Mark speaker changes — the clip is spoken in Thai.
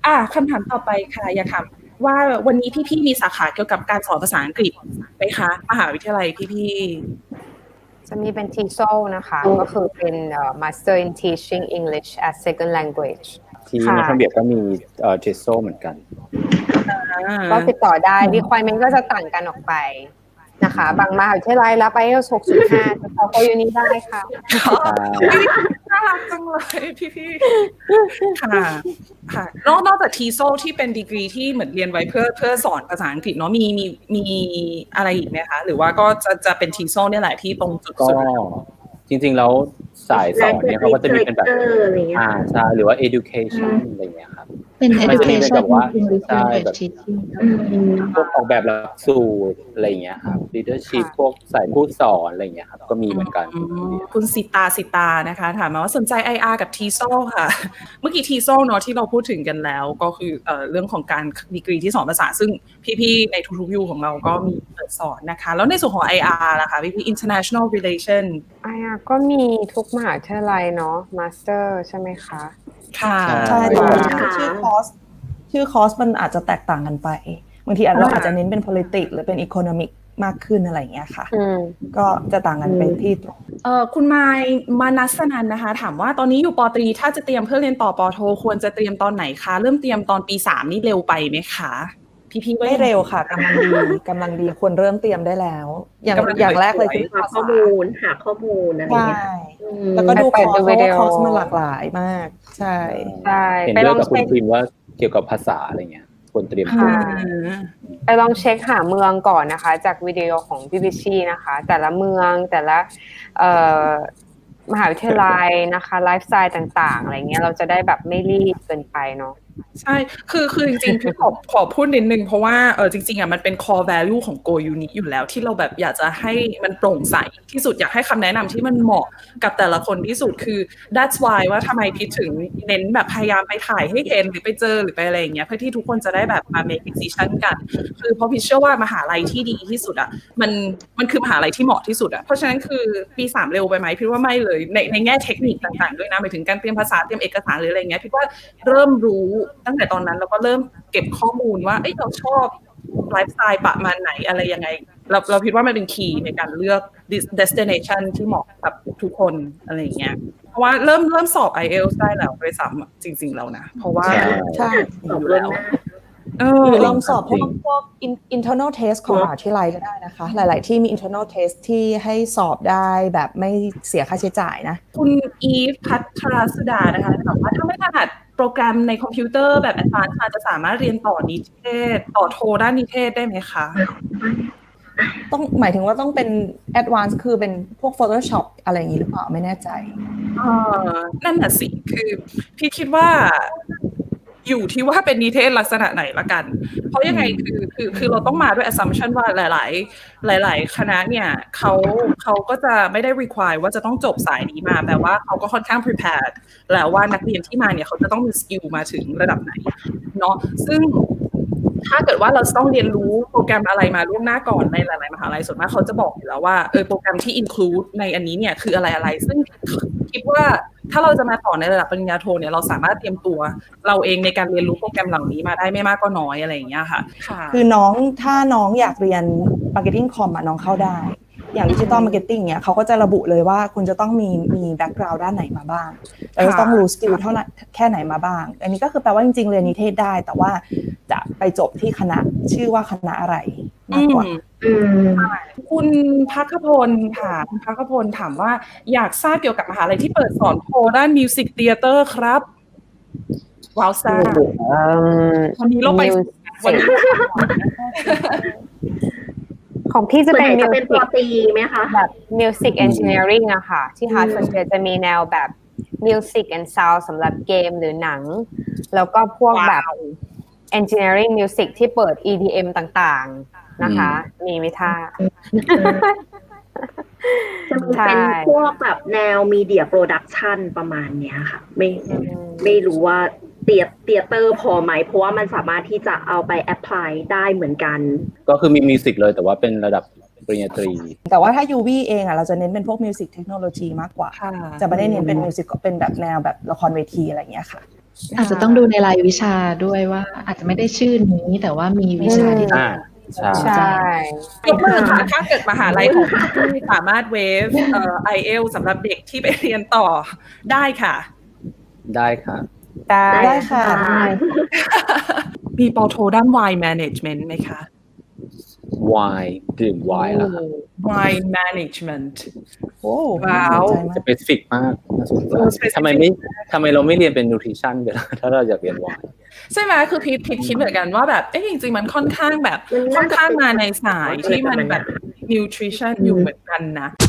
Speaker 1: คำถามต่อไปค่ะอยากถามว่าวันนี้พี่ๆมีสาขาเกี่ยวกับการสอนภาษาอังกฤษไหมคะมหาวิทยาลัยพี่
Speaker 2: จะมีเป็น TESOL นะคะก็คือเป็น Master in Teaching English as Second Language
Speaker 3: ที่ในทางเบียบก็มีTESOL เหมือนกัน
Speaker 2: ก็ติดต่อได้ requirement ก็จะต่างกันออกไปนะคะบางมหาวิทยาลัยรับ IELTS 6.5จะเข้าอยู่นี้ได้ค่ะ
Speaker 1: น่ารักจังเลยพี่ๆค่ะนอกจาก TESOL ที่เป็นดีกรีที่เหมือนเรียนไว้เพื่อสอนภาษาอังกฤษเนาะมีอะไรอีกไหมคะหรือว่าก็จะเป็น TESOL เนี่ยแหละที่ตรงจุดสุด
Speaker 3: จริงๆแล้วสายสอนเนี่ยเขาก็จะมีเป็นแบบใช่หรือว่า education อะไรอย่างเงี้ยครับ
Speaker 4: เป็น education
Speaker 3: แบบว่าใช่แบบพวกออกแบบหลักสูตรอะไรอย่างเงี้ยครับ leadership พวกสายผู้สอนอะไรอย่างเงี้ยครับก็มีเหมือนกัน
Speaker 1: คุณสิตานะคะถามมาว่าสนใจ IR กับ TESOL ค่ะเมื่อกี้ TESOL เนาะที่เราพูดถึงกันแล้วก็คือเรื่องของการดีกรีที่สอนภาษาซึ่งพี่ๆในทุกๆยูของเราก็มีเปิดสอนนะคะแล้วในส่วนของ IR ล่ะคะพี่ international relation
Speaker 2: IR ก็มีทุกมหาวิทยาลัยเนาะ master ใช่ไหมคะ
Speaker 1: ค่ะ
Speaker 4: ใช่แต่ชื่อคอร์สมันอาจจะแตกต่างกันไปบางทีเราอาจจะเน้นเป็น politics หรือเป็น economic มากขึ้นอะไรอย่างเงี้ยค่ะก็จะต่างกันไปที่ตรง
Speaker 1: คุณมานัสนันนะคะถามว่าตอนนี้อยู่ป.ตรีถ้าจะเตรียมเพื่อเรียนต่อป.โทควรจะเตรียมตอนไหนคะเริ่มเตรียมตอนปี3นี่เร็วไปไหมคะพี่
Speaker 4: ไม่เร็วค่ะกำลังดีควรเริ่มเตรียมได้แล้วอย่างแรกเลยคือ
Speaker 5: หาข้อมูลอะไรอย่างเงี้ย
Speaker 4: แล้วก็ดูคอร์สมันหลากหลายมากใช่
Speaker 3: เห็นด้วยกับคุณพิมพ์ว่าเกี่ยวกับภาษาอะไรเงี้ยควรเตรียมตัว
Speaker 2: ไปลองเช็คหาเมืองก่อนนะคะจากวิดีโอของพี่พิชชี่นะคะแต่ละเมืองแต่ละมหาวิทยาลัยนะคะไลฟ์สไตล์ต่างๆอะไรเงี้ยเราจะได้แบบไม่รีบเกินไปเนาะ
Speaker 1: ใช่คือจริงๆพี่ขอพูดนิดนึงเพราะว่าจริงๆมันเป็น core value ของ Go Uni อยู่แล้วที่เราแบบอยากจะให้มันโปร่งใสที่สุดอยากให้คำแนะนำที่มันเหมาะกับแต่ละคนที่สุดคือ that's why ว่าทำไมพี่ถึงเน้นแบบพยายามไปถ่ายให้เห็นหรือไปเจอหรือไปอะไรอย่างเงี้ยเพื่อที่ทุกคนจะได้แบบมา make decision กันคือเพราะพี่เชื่อว่ามหาลัยที่ดีที่สุดอ่ะมันคือมหาลัยที่เหมาะที่สุดอ่ะเพราะฉะนั้นคือปี3เร็วไปไหมพี่ว่าไม่เลยในแง่เทคนิคต่างๆด้วยนะหมายถึงการเตรียมภาษาเตรียมเอกสารหรืออะไรเงี้ยพี่ว่าเริ่มรู้ตั้งแต่ตอนนั้นเราก็เริ่มเก็บข้อมูลว่าเราชอบไลฟ์สไตล์ประมาณไหนอะไรยังไงเราคิดว่ามันเป็นคีย์ในการเลือก destination ที่เหมาะกับทุกคนอะไรอย่างเงี้ยเพราะว่าเริ่มสอบ IELTS ได้แล้วด้วยซ้ำจริงๆแล้วนะเพราะว่า
Speaker 4: ใช่
Speaker 1: อยู่แล้ว
Speaker 4: ลองสอบพวก internal test ของมหาวิทยาลัยก็ได้นะคะหลายๆที่มี internal test ที่ให้สอบได้แบบไม่เสียค่าใช้จ่ายนะ
Speaker 1: คุณอีฟพัทรสุดานะคะบอกว่าถ้าไม่ถนัดโปรแกรมในคอมพิวเตอร์แบบ advanced จะสามารถเรียนต่อนิเทศต่อโทด้านนิเทศได้ไหมคะ
Speaker 4: ต้องหมายถึงว่าต้องเป็น advanced คือเป็นพวก Photoshop อะไรอย่างนี้หรือเปล่าไม่แน่ใจ
Speaker 1: นั่นน่ะสิคือพี่คิดว่าอยู่ที่ว่าเป็นนิเทศลักษณะไหนละกันเพราะยังไงคือเราต้องมาด้วย assumption ว่าหลายคณะเนี่ยเขาก็จะไม่ได้ require ว่าจะต้องจบสายนี้มาแปลว่าเขาก็ค่อนข้าง prepared แล้วว่านักเรียนที่มาเนี่ยเขาจะต้องมีสกิลมาถึงระดับไหนเนาะซึ่งถ้าเกิดว่าเราต้องเรียนรู้โปรแกรมอะไรมาล่วงหน้าก่อนในหลายๆมหาลัยส่วนมากเขาจะบอกอยู่แล้วว่าโปรแกรมที่ include ในอันนี้เนี่ยคืออะไรซึ่งคิดว่าถ้าเราจะมาต่อในระดับปริญญาโทเนี่ยเราสามารถเตรียมตัวเราเองในการเรียนรู้โปรแกรมเหล่านี้มาได้ไม่มากก็น้อยอะไรอย่างเงี้ยค่ะ
Speaker 4: คือถ้าน้องอยากเรียน marketing com น้องเข้าได้อย่าง digital marketing เนี่ยเขาก็จะระบุเลยว่าคุณจะต้องมี background ด้านไหนมาบ้างแล้วต้องรู้สกิลเท่าไหร่แค่ไหนมาบ้างอันนี้ก็คือแปลว่าจริงๆเรียนนิเทศได้แต่ว่าจะไปจบที่คณะชื่อว่าคณะอะไรมากกว่า
Speaker 1: คุณภัคพลค่ะคุณภัคพลถามว่าอยากทราบเกี่ยวกับมหาลัยที่เปิดสอนโทด้าน Music Theater ครับว้าวซ่าวันนี้เราไป
Speaker 2: ของพี่จะเป็น
Speaker 5: ปอตรีไหมคะ
Speaker 2: แบบ Music Engineering อะค่ะที่ Harvard จะมีแนวแบบ Music and Sound สำหรับเกมหรือหนังแล้วก็พวกแบบ Engineering Music ที่เปิด EDM ต่างๆนะคะมีไหมท่า
Speaker 5: จะมีเป็นพวกแบบแนว Media Production ประมาณเนี้ยค่ะไม่รู้ว่าเตียเตอร์พอไหมเพราะว่ามันสามารถที่จะเอาไปแอพพลายได้เหมือนกัน
Speaker 3: ก็คือมีมิวสิกเลยแต่ว่าเป็นระดับปริญญาตรี
Speaker 4: แต่ว่าถ้า UV เองเราจะเน้นเป็นพวกมิวสิกเทคโนโลยีมากกว่าจะไม่ได้เน้นเป็นมิวสิกเป็นแบบแนวแบบละครเวทีอะไรอย่างเงี้ยค่ะ
Speaker 6: อาจจะต้องดูในรายวิชาด้วยว่าอาจจะไม่ได้ชื่อนี้แต่ว่ามีวิชาที่
Speaker 3: อ่าใช่
Speaker 2: ใช่
Speaker 1: ยกมือค่ะถ้าเกิดมหาลัยของที่สามารถเวฟIELTS สำหรับเด็กที่ไปเรียนต่อได้ค่ะ
Speaker 3: ได้ค่ะ
Speaker 4: ได้ค่ะ
Speaker 1: มีปอโทด้าน Wine Management ไหมคะ
Speaker 3: วายดื่มไวน์แล้วครับ
Speaker 1: Wine Management
Speaker 4: โอ้
Speaker 1: ว้าว
Speaker 4: น่สนใจมาก
Speaker 3: สเปซิฟิกมากน่าสนใจ
Speaker 1: specific
Speaker 3: ทำไมเราไม่เรียนเป็น nutrition กันล่ะถ้าเราอยากเรียนไวน์
Speaker 1: ใช่ไหมคือพีทคิดเหมือนกันว่าแบบจริงๆมันค่อนข้างแบบ
Speaker 5: มัน
Speaker 1: ค่อ
Speaker 5: น่าน จะ
Speaker 1: ข้างมาในสาย
Speaker 5: เป็น
Speaker 1: ที่มันแบบ
Speaker 5: อะไรประมาณนั้น
Speaker 1: nutrition อยู่เหมือนกันนะ